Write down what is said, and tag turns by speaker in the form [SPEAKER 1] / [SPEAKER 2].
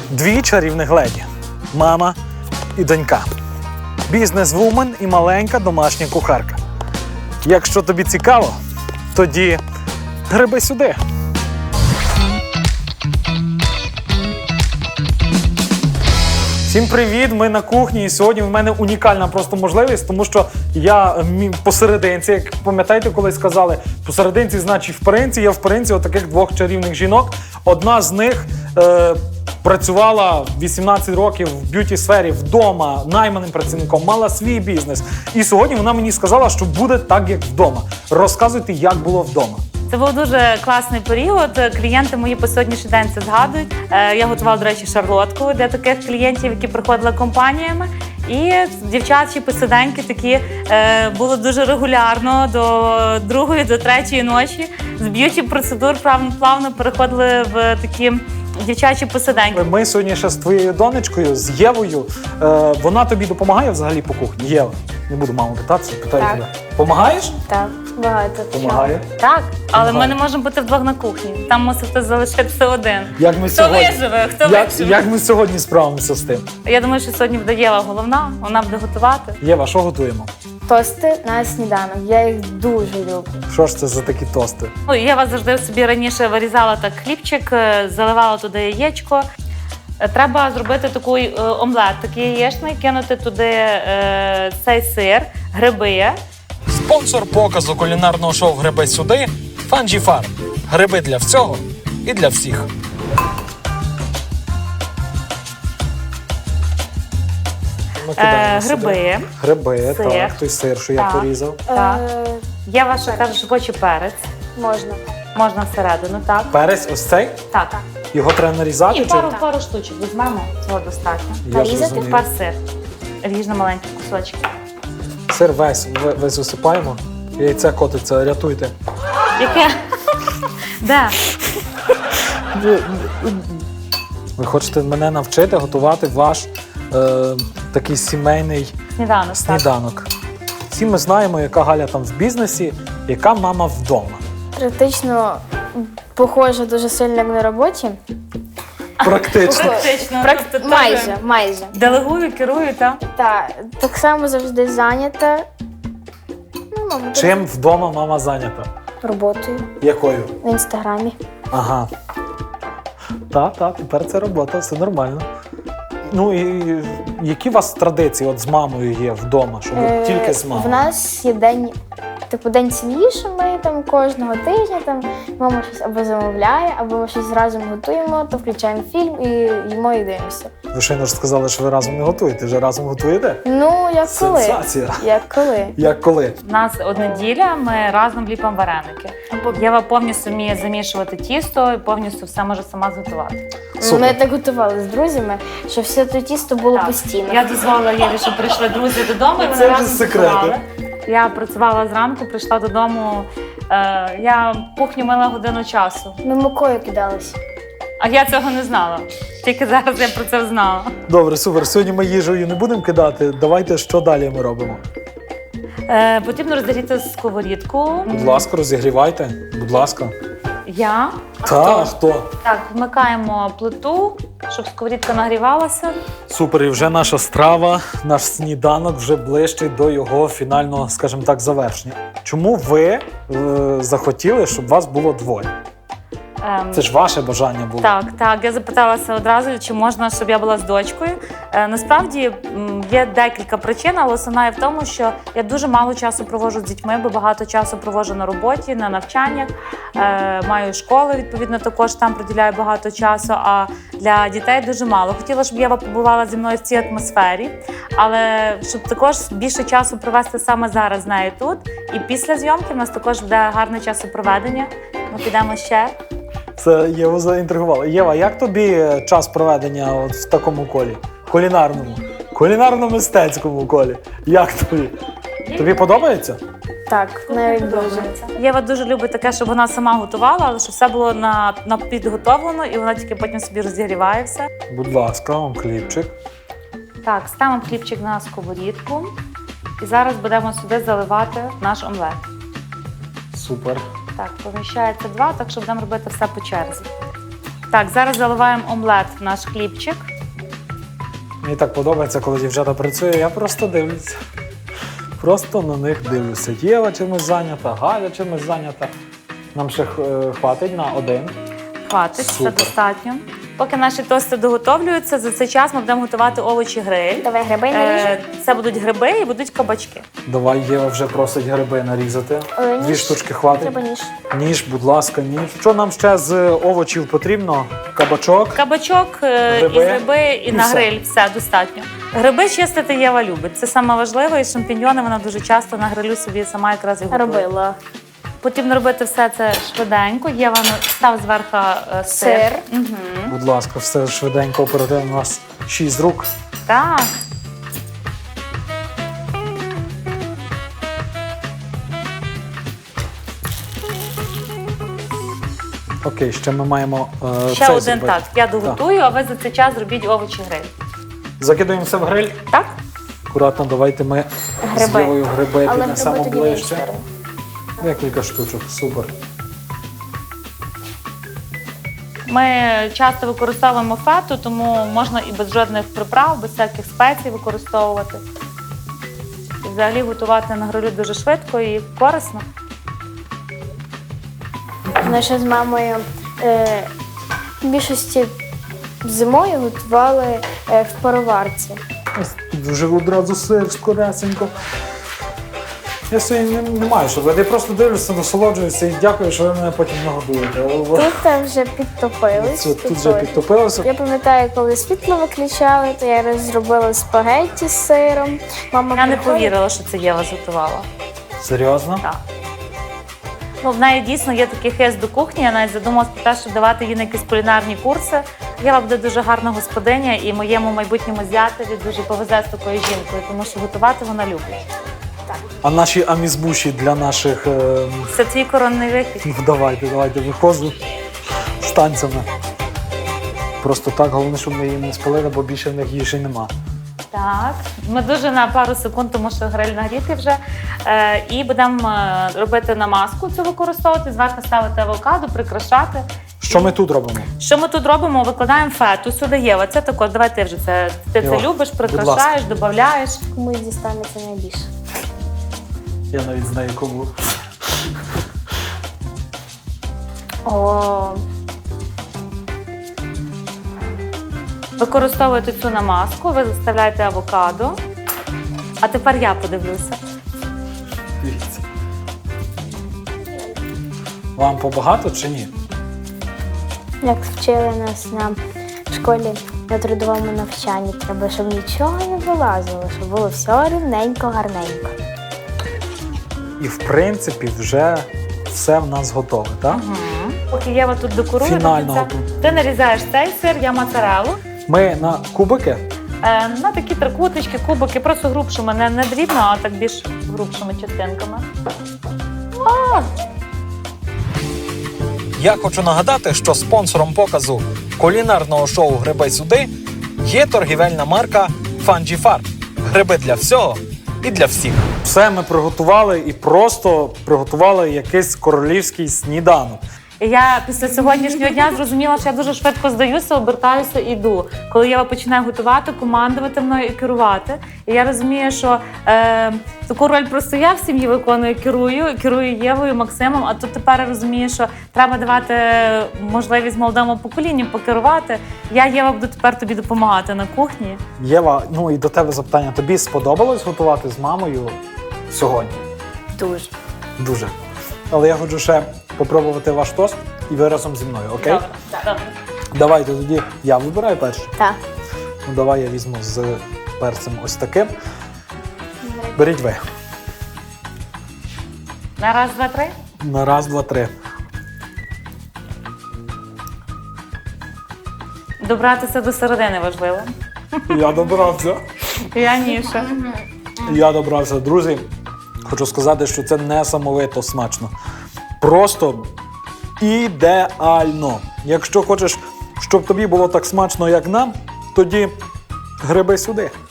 [SPEAKER 1] Дві чарівних леді – мама і донька. Бізнес-вумен і маленька домашня кухарка. Якщо тобі цікаво, тоді гриби сюди. Всім привіт! Ми на кухні, і сьогодні в мене унікальна просто можливість, тому що я посерединці, як пам'ятаєте, колись сказали, посерединці значить вперинці, я вперинці отаких двох чарівних жінок. Одна з них працювала 18 років в б'юті-сфері вдома, найманим працівником, мала свій бізнес. І сьогодні вона мені сказала, що буде так, як вдома. Розказуйте, як було вдома.
[SPEAKER 2] Це був дуже класний період. Клієнти мої по сьогоднішній день це згадують. Я готувала, до речі, шарлотку для таких клієнтів, які приходили компаніями. І дівчачі посиденьки такі було дуже регулярно до 2-ї, до 3-ї ночі. З б'юті-процедур плавно переходили в такі дівчачі посиденьки.
[SPEAKER 1] Ми сьогодні ще з твоєю донечкою, з Євою. Вона тобі допомагає взагалі по кухні? Єва, не буду маму питатися, питаю тебе. Помагаєш?
[SPEAKER 3] Так, багато.
[SPEAKER 1] Помагає?
[SPEAKER 2] Так, але ми не можемо бути вдвох на кухні. Там мусите залишитися один.
[SPEAKER 1] Як ми
[SPEAKER 2] Хто
[SPEAKER 1] сьогодні?
[SPEAKER 2] виживе, хто виживе.
[SPEAKER 1] Як ми сьогодні справимося з тим?
[SPEAKER 2] Я думаю, що сьогодні буде Єва головна, вона буде готувати.
[SPEAKER 1] Єва, що готуємо?
[SPEAKER 3] Тости на сніданок. Я їх дуже люблю.
[SPEAKER 1] Що ж це за такі тости?
[SPEAKER 2] Ну, Єва завжди собі раніше вирізала так хлібчик, заливала туди яєчко. Треба зробити такий омлет, такий яєчний, кинути туди цей сир, гриби.
[SPEAKER 1] Спонсор показу кулінарного шоу «Гриби сюди» – Fungi Farm. Гриби для всього і для всіх.
[SPEAKER 2] Гриби.
[SPEAKER 1] Гриби,
[SPEAKER 2] Сир.
[SPEAKER 1] так, той сир, що я
[SPEAKER 2] Так.
[SPEAKER 1] порізав.
[SPEAKER 2] Так. Єва ще каже, що хоче перець.
[SPEAKER 3] Можна.
[SPEAKER 2] Можна всередину, так?
[SPEAKER 1] Перець ось цей?
[SPEAKER 2] Так.
[SPEAKER 1] Його треба нарізати?
[SPEAKER 2] І
[SPEAKER 1] чи?
[SPEAKER 2] пару штучок візьмемо, цього достатньо.
[SPEAKER 1] Я
[SPEAKER 3] Нарізати?
[SPEAKER 1] зрозумів.
[SPEAKER 2] Тепер сир. Ріж на маленькі кусочки.
[SPEAKER 1] Сир весь висипаємо. Яйце котиться, рятуйте.
[SPEAKER 2] Яке? Де?
[SPEAKER 1] Ви хочете мене навчити готувати ваш такий сімейний
[SPEAKER 2] Сніданок.
[SPEAKER 1] сніданок. Всі ми знаємо, яка Галя там в бізнесі, яка мама вдома.
[SPEAKER 3] Практично похоже дуже сильно як на роботі.
[SPEAKER 1] Практично.
[SPEAKER 2] Практично. тобто
[SPEAKER 3] Майже.
[SPEAKER 2] Делегую, керую, так?
[SPEAKER 3] Так само завжди зайнята. Ну, мабуть,
[SPEAKER 1] Чим вдома мама зайнята?
[SPEAKER 3] роботою
[SPEAKER 1] Якою?
[SPEAKER 3] в інстаграмі.
[SPEAKER 1] Ага. Так, тепер це робота, все нормально. Ну і які у вас традиції от з мамою є вдома, щоб от тільки з
[SPEAKER 3] В
[SPEAKER 1] мамою?
[SPEAKER 3] нас є день, день сім'ї, що ми там кожного тижня там мама щось або замовляє, або ми щось разом готуємо, то включаємо фільм і їмо і дивимося.
[SPEAKER 1] Ви щойно ж сказали, що ви разом не готуєте, вже разом готуєте?
[SPEAKER 3] Ну, як коли.
[SPEAKER 1] Сенсація.
[SPEAKER 3] Як коли.
[SPEAKER 1] Як коли?
[SPEAKER 2] У нас от неділя, ми разом ліпимо вареники. Єва повністю вміє замішувати тісто і повністю все може сама зготувати.
[SPEAKER 1] Супер.
[SPEAKER 3] Ми так готували з друзями, що все те тісто було постійно.
[SPEAKER 2] Я дозволила Єві, щоб прийшли друзі додому, і
[SPEAKER 1] Це
[SPEAKER 2] вони
[SPEAKER 1] вже
[SPEAKER 2] разом
[SPEAKER 1] секрети.
[SPEAKER 2] готували. Я працювала зранку, прийшла додому. Я кухню мила годину часу.
[SPEAKER 3] Ми мукою кидалися.
[SPEAKER 2] А я цього не знала. Тільки зараз я про це знала.
[SPEAKER 1] Добре, супер. Сьогодні ми їжею не будемо кидати. Давайте, що далі ми робимо?
[SPEAKER 2] Потрібно розігріти сковорідку.
[SPEAKER 1] Будь ласка, розігрівайте. Будь ласка.
[SPEAKER 2] Я.
[SPEAKER 1] Так, хто?
[SPEAKER 2] Так, вмикаємо плиту, щоб сковорідка нагрівалася.
[SPEAKER 1] Супер, і вже наша страва, наш сніданок вже ближчий до його фінального, скажімо так, завершення. Чому ви захотіли, щоб вас було двоє? Це ж ваше бажання було.
[SPEAKER 2] Так. Я запиталася одразу, чи можна, щоб я була з дочкою. Насправді є декілька причин, але основна є в тому, що я дуже мало часу проводжу з дітьми, бо багато часу проводжу на роботі, на навчаннях. Маю школи, відповідно, також там приділяю багато часу, а для дітей дуже мало. Хотіла, щоб Єва побувала зі мною в цій атмосфері, але щоб також більше часу провести саме зараз з нею тут. І після зйомки в нас також буде гарне часопроведення. Ми підемо ще.
[SPEAKER 1] Це Єву заінтригувало. Єва, як тобі час проведення от в такому колі? Кулінарному? Кулінарно-мистецькому колі. Як тобі? Тобі подобається?
[SPEAKER 3] Так, навіть дуже.
[SPEAKER 2] Єва дуже любить таке, щоб вона сама готувала, але щоб все було на підготовлено, і вона тільки потім собі розігріває все.
[SPEAKER 1] Будь ласка, вам хлібчик.
[SPEAKER 2] Так, ставимо хлібчик на сковорідку. І зараз будемо сюди заливати наш омлет.
[SPEAKER 1] Супер.
[SPEAKER 2] Так, поміщається 2, так що будемо робити все по черзі. Так, зараз заливаємо омлет в наш хлібчик.
[SPEAKER 1] Мені так подобається, коли дівчата працює, я просто дивлюся. Просто на них дивлюся. Єва чимось зайнята, Галя чимось зайнята. Нам ще хватить на один.
[SPEAKER 2] Хватить, це
[SPEAKER 1] Супер.
[SPEAKER 2] достатньо. Поки наші тости доготовлюються, за цей час ми будемо готувати овочі гриль.
[SPEAKER 3] Давай гриби наріжемо.
[SPEAKER 2] Це будуть гриби і будуть кабачки.
[SPEAKER 1] Давай, Єва вже просить гриби нарізати.
[SPEAKER 3] Ніж.
[SPEAKER 1] 2 штучки хватить.
[SPEAKER 3] Треба ніж.
[SPEAKER 1] Ніж, будь ласка, ніж. Що нам ще з овочів потрібно? Кабачок.
[SPEAKER 2] Кабачок,
[SPEAKER 1] Гриби.
[SPEAKER 2] і гриби, і
[SPEAKER 1] І
[SPEAKER 2] на
[SPEAKER 1] все.
[SPEAKER 2] гриль. Все, достатньо. Гриби чистити Єва любить. Це саме важливе. І шампіньйони вона дуже часто на грилю собі сама якраз і готує.
[SPEAKER 3] Робила.
[SPEAKER 2] Потрібно робити все це швиденько. Єва став зверху сир.
[SPEAKER 3] Сир.
[SPEAKER 2] Угу.
[SPEAKER 1] Будь ласка, все швиденько, оперативно. У нас 6 рук.
[SPEAKER 2] Так.
[SPEAKER 1] Окей, ще ми маємо
[SPEAKER 2] Ще
[SPEAKER 1] цей
[SPEAKER 2] один
[SPEAKER 1] зробити.
[SPEAKER 2] так. Я доготую, а ви за цей час зробіть овочі гриль.
[SPEAKER 1] Закидуємо все в гриль.
[SPEAKER 2] Так?
[SPEAKER 1] Акуратно, давайте ми з
[SPEAKER 3] Гриби.
[SPEAKER 1] Євою гриби
[SPEAKER 3] Але
[SPEAKER 1] піднесемо
[SPEAKER 3] гриби тоді в іншу
[SPEAKER 1] ближче.
[SPEAKER 3] сторону.
[SPEAKER 1] Декілька штучок, супер.
[SPEAKER 2] Ми часто використовуємо фету, тому можна і без жодних приправ, без всяких спецій використовувати. І взагалі готувати на грилю дуже швидко і корисно.
[SPEAKER 3] Ми ще з мамою в більшості зимою готували в пароварці.
[SPEAKER 1] Ось тут вже одразу сир скоресенько. Я сьогодні не маю, що я просто дивлюся, насолоджуюся і дякую, що ви мене потім нагодуєте.
[SPEAKER 3] Тут вже підтопились.
[SPEAKER 1] Це тут вже підтопилося.
[SPEAKER 3] Я пам'ятаю, коли світло виключали, то я зробила спагетті з сиром. Мама
[SPEAKER 2] Я не
[SPEAKER 3] приходить-
[SPEAKER 2] повірила, що це Єва зготувала.
[SPEAKER 1] Серйозно?
[SPEAKER 2] Так. Ну, в неї дійсно є такий хист до кухні. Я навіть задумалась про те, щоб давати їй на якісь кулінарні курси. Єва буде дуже гарна господиня, і моєму майбутньому зятеві дуже повезе з такою жінкою, тому що готувати вона любить.
[SPEAKER 1] А наші амізбуші для наших...
[SPEAKER 2] Це твій коронний вихід.
[SPEAKER 1] Ну, давайте, виходжу з танцями. Просто так, головне, щоб ми її не спалили, бо більше в них їжі нема.
[SPEAKER 2] Так, ми дуже на пару секунд, тому що гриль нагрітий вже. І будемо робити намазку цю використовувати, зверху ставити авокадо, прикрашати.
[SPEAKER 1] Що ми тут робимо?
[SPEAKER 2] Що ми тут робимо? Викладаємо фету сюди, Єва. Це також, давай ти вже це. Ти
[SPEAKER 1] Йо,
[SPEAKER 2] це любиш,
[SPEAKER 1] будь
[SPEAKER 2] прикрашаєш, додаєш.
[SPEAKER 3] Комусь дістанеться найбільше.
[SPEAKER 1] Я навіть знаю кому.
[SPEAKER 2] О. Використовуєте цю намазку, ви заставляєте авокадо. А тепер я подивлюся.
[SPEAKER 1] Дивіться. Вам побагато чи ні?
[SPEAKER 3] Як вчили нас на школі на трудовому навчанні, треба, щоб нічого не вилазило, щоб було все рівненько, гарненько.
[SPEAKER 1] І в принципі вже все в нас готове, так?
[SPEAKER 2] Поки Єва тут декорує,
[SPEAKER 1] Фінально
[SPEAKER 2] до кінця,
[SPEAKER 1] готово.
[SPEAKER 2] ти нарізаєш цей сир, я моцарелу.
[SPEAKER 1] Ми на кубики.
[SPEAKER 2] На такі трикутички, кубики, просто грубшими, не дрібно, а так більш грубшими частинками.
[SPEAKER 4] Я хочу нагадати, що спонсором показу кулінарного шоу «Гриби сюди» є торгівельна марка Фанджі-Фарм. Гриби для всього і для всіх.
[SPEAKER 1] Все ми приготували і просто приготували якийсь королівський сніданок.
[SPEAKER 2] І я після сьогоднішнього дня зрозуміла, що я дуже швидко здаюся, обертаюся і йду. Коли Єва починає готувати, командувати мною і керувати. І я розумію, що таку роль просто я в сім'ї виконую, керую Євою, Максимом, а тут тепер я розумію, що треба давати можливість молодому поколінню покерувати. Я, Єва, буду тепер тобі допомагати на кухні.
[SPEAKER 1] Єва, ну і до тебе запитання. Тобі сподобалось готувати з мамою сьогодні?
[SPEAKER 2] Дуже.
[SPEAKER 1] Дуже. Але я хочу ще попробувати ваш тост і ви разом зі мною, окей?
[SPEAKER 2] Добре.
[SPEAKER 1] Давайте тоді я вибираю перший.
[SPEAKER 3] Так.
[SPEAKER 1] Ну давай я візьму з перцем ось таким. Беріть ви.
[SPEAKER 2] На раз, два, три.
[SPEAKER 1] На раз, два, три.
[SPEAKER 2] Добратися до середини важливо.
[SPEAKER 1] Я добрався.
[SPEAKER 2] Я ніша.
[SPEAKER 1] Я добрався. Друзі, хочу сказати, що це несамовито смачно. Просто ідеально. Якщо хочеш, щоб тобі було так смачно, як нам, тоді гриби сюди.